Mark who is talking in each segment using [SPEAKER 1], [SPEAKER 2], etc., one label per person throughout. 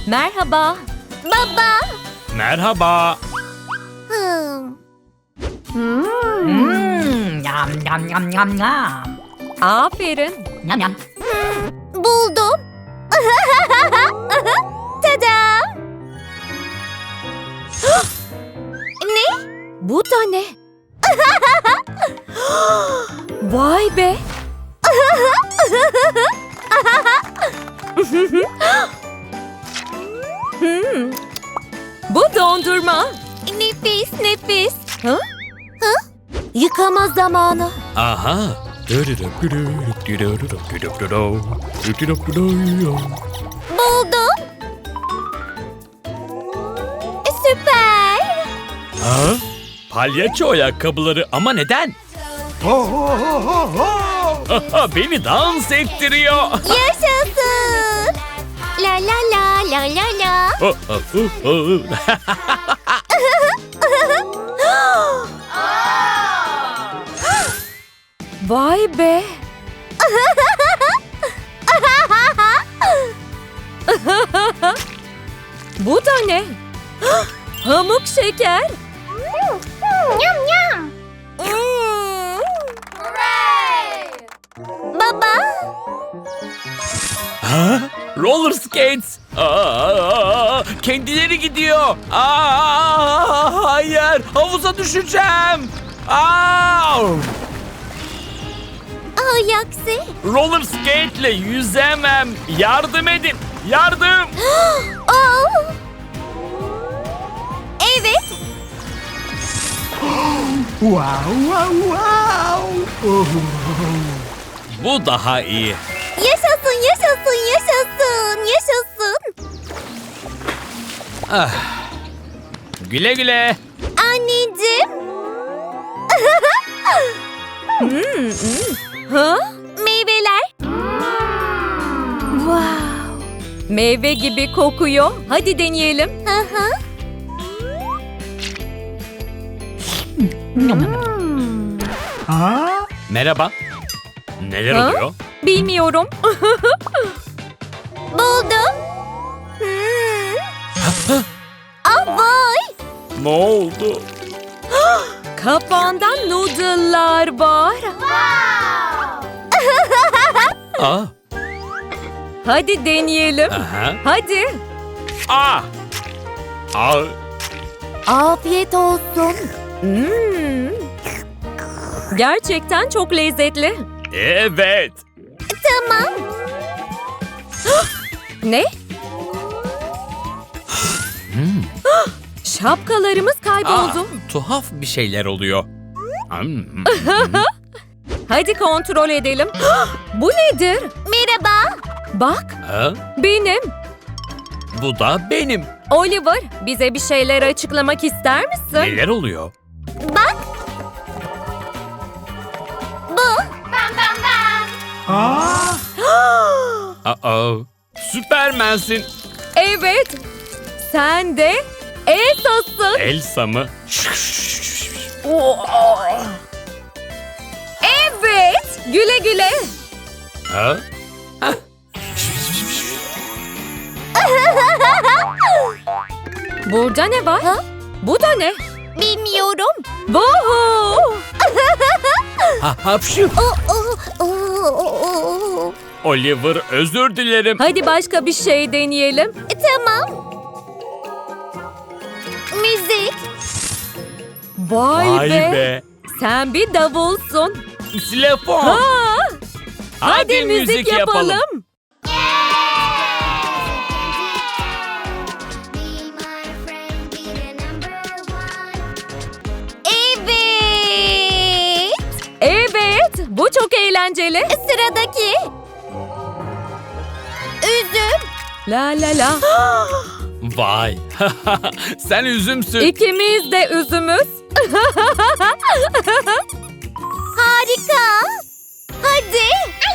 [SPEAKER 1] Merhaba. Baba.
[SPEAKER 2] Merhaba.
[SPEAKER 3] Yam yam yam yam yam.
[SPEAKER 1] Aferin.
[SPEAKER 3] Yam yam.
[SPEAKER 1] Buldum. Tada! Ne? Bu da ne? Vay be! Bu dondurma. Nefis, nefis. Ha? Ha? Yıkama zamanı.
[SPEAKER 2] Aha.
[SPEAKER 1] Buldum. Süper.
[SPEAKER 2] Ha? Palyaço ayakkabıları ama neden? Beni dans ettiriyor.
[SPEAKER 1] Yaşasın. La la la la la la. Vay be. Bu da ne? Pamuk şeker. Yum yum. Baba.
[SPEAKER 2] Ha? Roller skates. Kendileri gidiyor. Hayır, havuza düşeceğim.
[SPEAKER 1] Yaksi.
[SPEAKER 2] Roller skate'le yüzemem. Yardım edin. Yardım.
[SPEAKER 1] Evet.
[SPEAKER 2] Bu daha iyi.
[SPEAKER 1] Yaşasın, yaşasın, yaşasın, yaşasın.
[SPEAKER 2] Güle güle.
[SPEAKER 1] Anneciğim. Ha? Meyveler. Wow. Meyve gibi kokuyor. Hadi deneyelim.
[SPEAKER 2] Merhaba. Neler
[SPEAKER 1] Ha?
[SPEAKER 2] oluyor?
[SPEAKER 1] Bilmiyorum. Buldum. Vay.
[SPEAKER 2] Ne oldu?
[SPEAKER 1] Kapağında noodle'lar var.
[SPEAKER 2] Aa.
[SPEAKER 1] Hadi deneyelim.
[SPEAKER 2] Aha.
[SPEAKER 1] Hadi.
[SPEAKER 2] Aa. Aa.
[SPEAKER 1] Afiyet olsun. Gerçekten çok lezzetli.
[SPEAKER 2] Evet.
[SPEAKER 1] Tamam. Ne? Şapkalarımız kayboldu.
[SPEAKER 2] Tuhaf bir şeyler oluyor.
[SPEAKER 1] Hadi kontrol edelim. Bu nedir? Merhaba. Bak,
[SPEAKER 2] Ha?
[SPEAKER 1] benim.
[SPEAKER 2] Bu da benim.
[SPEAKER 1] Oliver, bize bir şeyler açıklamak ister misin?
[SPEAKER 2] Neler oluyor?
[SPEAKER 1] Bak. Bu.
[SPEAKER 2] Aa. Süpermensin.
[SPEAKER 1] Evet. Sen de Elsa'sın.
[SPEAKER 2] Elsa mı?
[SPEAKER 1] Evet. Güle güle.
[SPEAKER 2] Ha?
[SPEAKER 1] Burada ne var? Bu da ne? Bilmiyorum. Vuhu.
[SPEAKER 2] Hapşu. Oliver, özür dilerim.
[SPEAKER 1] Hadi başka bir şey deneyelim. Tamam. Müzik. Vay, be. Sen bir davulsun.
[SPEAKER 2] Xilofon.
[SPEAKER 1] Ha.
[SPEAKER 2] Hadi müzik yapalım.
[SPEAKER 1] Evet. Evet. Bu çok eğlenceli. Sıradaki. Üzüm. La la la.
[SPEAKER 2] Vay. Sen üzümsün.
[SPEAKER 1] İkimiz de üzümüz. Harika. Hadi.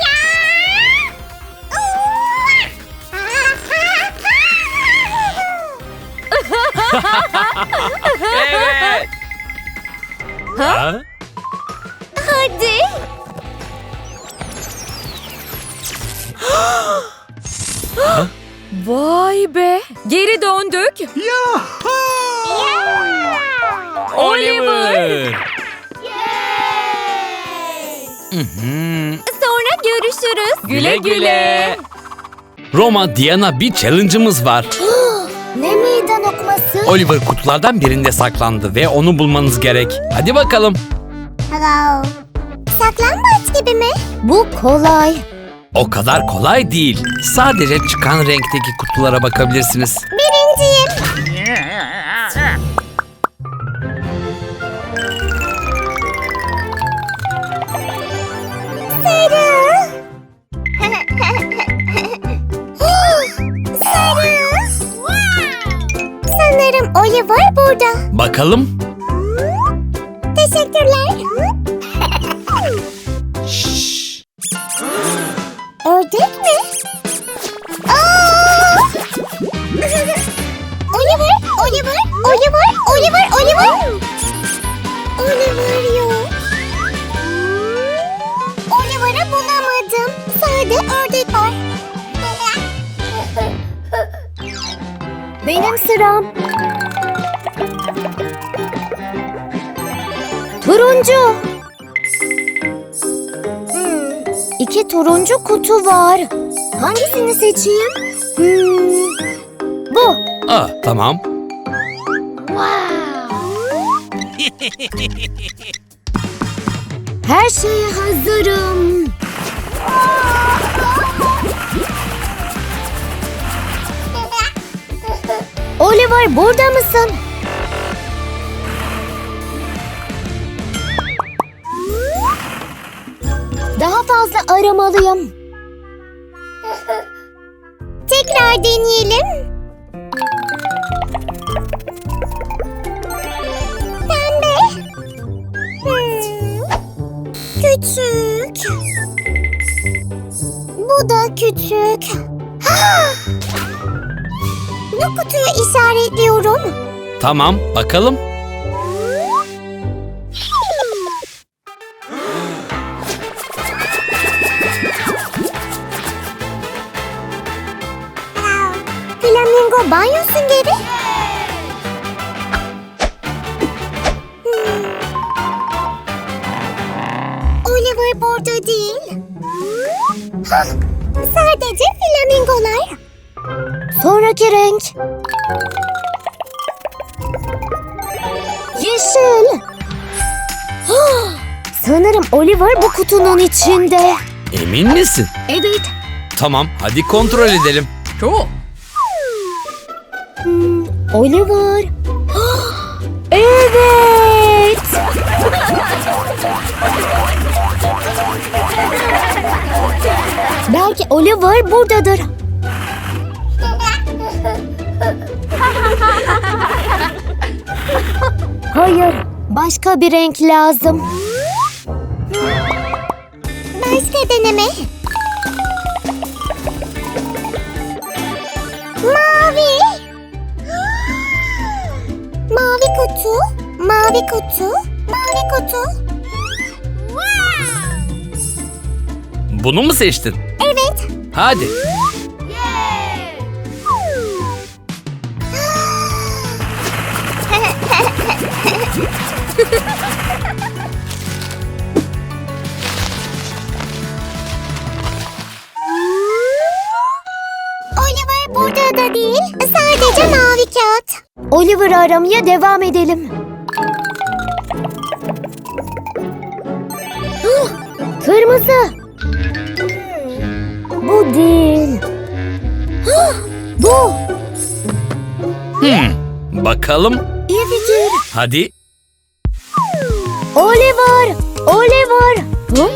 [SPEAKER 2] Evet. Ha?
[SPEAKER 1] Hadi. Vay be. Geri döndük.
[SPEAKER 2] Oliver!
[SPEAKER 1] Sonra görüşürüz.
[SPEAKER 2] Güle güle. Roma, Diana, bir challenge'ımız var.
[SPEAKER 4] Ne meydan okuması?
[SPEAKER 2] Oliver kutulardan birinde saklandı ve onu bulmanız gerek. Hadi bakalım.
[SPEAKER 4] Hello. Saklambaç gibi mi? Bu kolay.
[SPEAKER 2] O kadar kolay değil. Sadece çıkan renkteki kutulara bakabilirsiniz.
[SPEAKER 4] Birinciyim. Sarı. Sarı. Sanırım Oliver burada.
[SPEAKER 2] Bakalım.
[SPEAKER 4] Teşekkürler. Ördek mi? Aa! Oliver, Oliver, Oliver, Oliver, Oliver. Oliver yok. Oliver'ı bulamadım. Sadece ördek var. Benim sıram. Turuncu. İki turuncu kutu var. Hangisini seçeyim? Bu.
[SPEAKER 2] Tamam.
[SPEAKER 4] Her şeye hazırım. Oliver, burada mısın? Daha fazla aramalıyım. Tekrar deneyelim. Pembe. Küçük. Bu da küçük. Bu kutuyu işaretliyorum.
[SPEAKER 2] Tamam, bakalım.
[SPEAKER 4] Flamingo banyo süngeri. Oliver burada değil. Sadece flamingolar. Sonraki renk. Yeşil. Sanırım Oliver bu kutunun içinde.
[SPEAKER 2] Emin misin?
[SPEAKER 4] Evet.
[SPEAKER 2] Tamam, hadi kontrol edelim.
[SPEAKER 4] Oliver. Evet. Belki Oliver buradadır. Hayır, başka bir renk lazım. Başka deneme. Mavi. Mavi kutu, mavi kutu, mavi kutu.
[SPEAKER 2] Bunu mu seçtin?
[SPEAKER 4] Evet.
[SPEAKER 2] Hadi.
[SPEAKER 4] Oliver burada da değil, sadece mavi kağıt. Oliver'ı aramaya devam edelim. Kırmızı. Bu değil. Bu.
[SPEAKER 2] Bakalım.
[SPEAKER 4] İyi fikir.
[SPEAKER 2] Hadi.
[SPEAKER 4] Oliver. Oliver. Hı?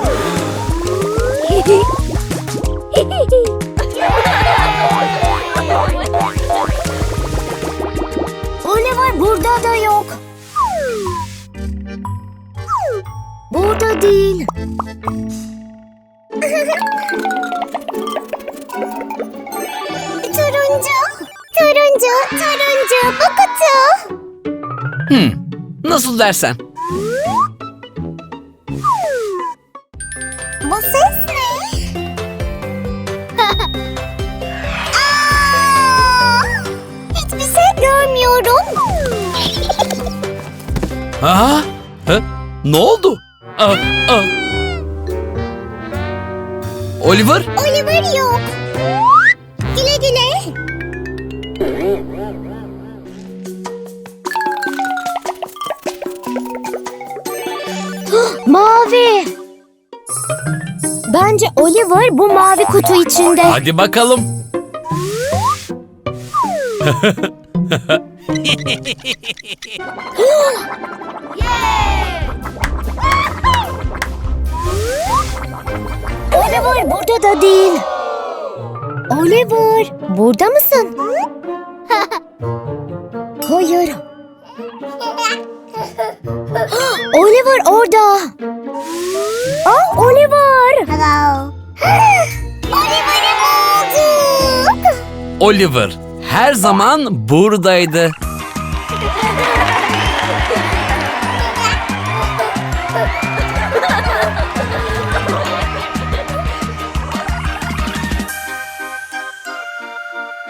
[SPEAKER 4] Oliver burada da yok. Burada değil. Turuncu. Turuncu. Turuncu. Bu kutu.
[SPEAKER 2] Nasıl dersen.
[SPEAKER 4] Bu ses ne? Aa!
[SPEAKER 2] Aa, ne oldu? Aa. Oliver?
[SPEAKER 4] Oliver yok. Güle güle. Mavi. Bence Oliver bu mavi kutu içinde.
[SPEAKER 2] Hadi bakalım.
[SPEAKER 4] Oliver burada da değil. Oliver, burada mısın? Hayır. Oliver orada. Aa, Oliver. Hello. Oliver'ı bulduk.
[SPEAKER 2] Oliver her zaman buradaydı.